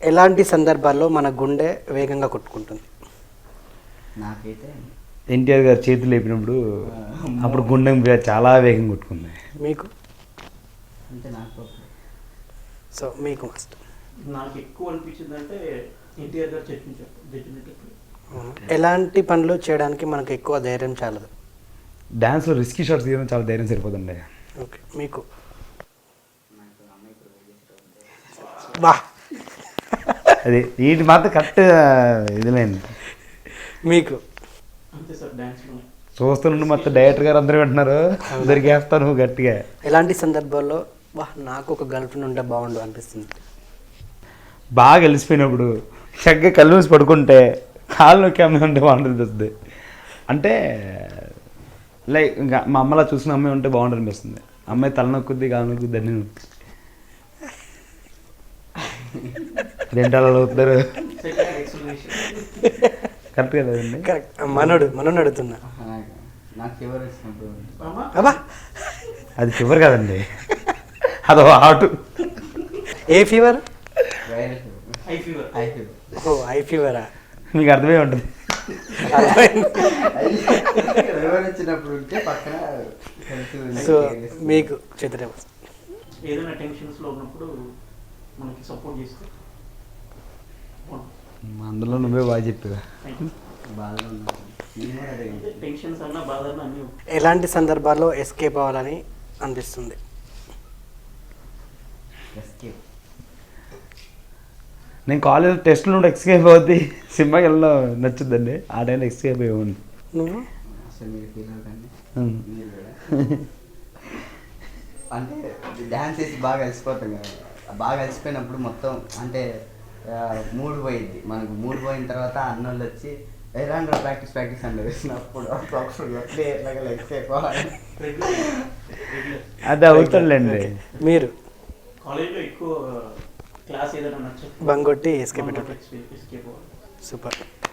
ఎలాంటి సందర్భాల్లో మన గుండె వేగంగా కొట్టుకుంటుంది? నాకైతే ఎన్టీఆర్ గారు చేతులు లేపినప్పుడు అప్పుడు గుండెం చాలా వేగంగా కొట్టుకుంది. మీకు? అంటే నాకు సో మీకు మస్ట్. నాకు ఎక్కువ అనిపించింది అంటే ఎన్టీఆర్ గారు చెప్పినప్పుడు ఎలాంటి పనులు చేయడానికి మనకు ఎక్కువ ధైర్యం చాలదు? డ్యాన్స్లో రిస్కీ షాట్స్ తీయడం చాలా ధైర్యం సరిపోతుండే. ఓకే, మీకు? వా, అది వీటి మాత్రం కరెక్ట్ ఇదిలేండి. మీకు? అంతే సార్, డ్యాన్స్లోనే చూస్తుండే మొత్తం డైరెక్టర్ గారు అందరూ వింటున్నారు, దొరికేస్తాను గట్టిగా. ఎలాంటి సందర్భాల్లో వా నాకు ఒక గర్ల్ ఫ్రెండ్ ఉంటే బాగుండు అనిపిస్తుంది? బాగా కలిసిపోయినప్పుడు చక్కగా కళ్ళు మూసి పడుకుంటే కాళ్ళు నొక్కి అమ్మాయి ఉంటే బాగుంటుంది. అంటే లైక్ ఇంకా మా అమ్మలా చూసిన అమ్మాయి ఉంటే బాగుంటుంది అనిపిస్తుంది. అమ్మాయి తల నొక్కుద్ది, కాలు నొక్కుద్ది, అన్నీ నొక్కుద్ది. అదేంటి అలా అవుతారు? కరెక్ట్ కదండి? కరెక్ట్. మనోడు అడుగుతున్నా. నాకు ఫీవర్ వచ్చినప్పుడు అబ్బా, అది ఫీవర్ కదండి, అదో హాటు. ఏ fever? Viral high fever. High fever. ఓ, ఐ ఫీవరా? మీకు అర్థమే ఉంటుంది. ఫీవర్ వచ్చినప్పుడు ఉంటే పక్కన సో మీకు చిత్రం ఏదైనా టెన్షన్స్లో ఉన్నప్పుడు మనకి సపోర్ట్ చేస్తే అందులో నువ్వే బాగా చెప్పావు. బాధలో ఉన్నాను. టెన్షన్స్ అన్నా బాధన్నా అన్నీ ఎలాంటి సందర్భాల్లో ఎస్కేప్ అవ్వాలని అనిపిస్తుంది? ఎస్కేప్. నేను కాలేజ్ టెస్ట్లో నుండి ఎస్కేప్ అవుద్ది, సినిమాకి వెళ్ళడం నచ్చుద్దండి. ఆ టైంలో ఎస్కేప్ అయ్యేవాడిని. నువ్వు? అసలు మీరు ఫీల్ అవ్వకండి. మీరు కూడా అంటే డ్యాన్స్ వేసి బాగా కలిసిపోతాం కదా. బాగా కలిసిపోయినప్పుడు మొత్తం అంటే మూడు పోయిద్ది. మనకు మూడు పోయిన తర్వాత అన్నోళ్ళు వచ్చి ఎలాంటి ప్రాక్టీస్ అంటే వేసినప్పుడు ఎట్లాగా లెగ్స్ అయిపోవాలి. అది అవుతుందండి. మీరు? కాలేజ్లో ఎక్కువ క్లాస్ ఏదైనా నచ్చదు బంగొట్టి ఎస్కేప్. Escape super.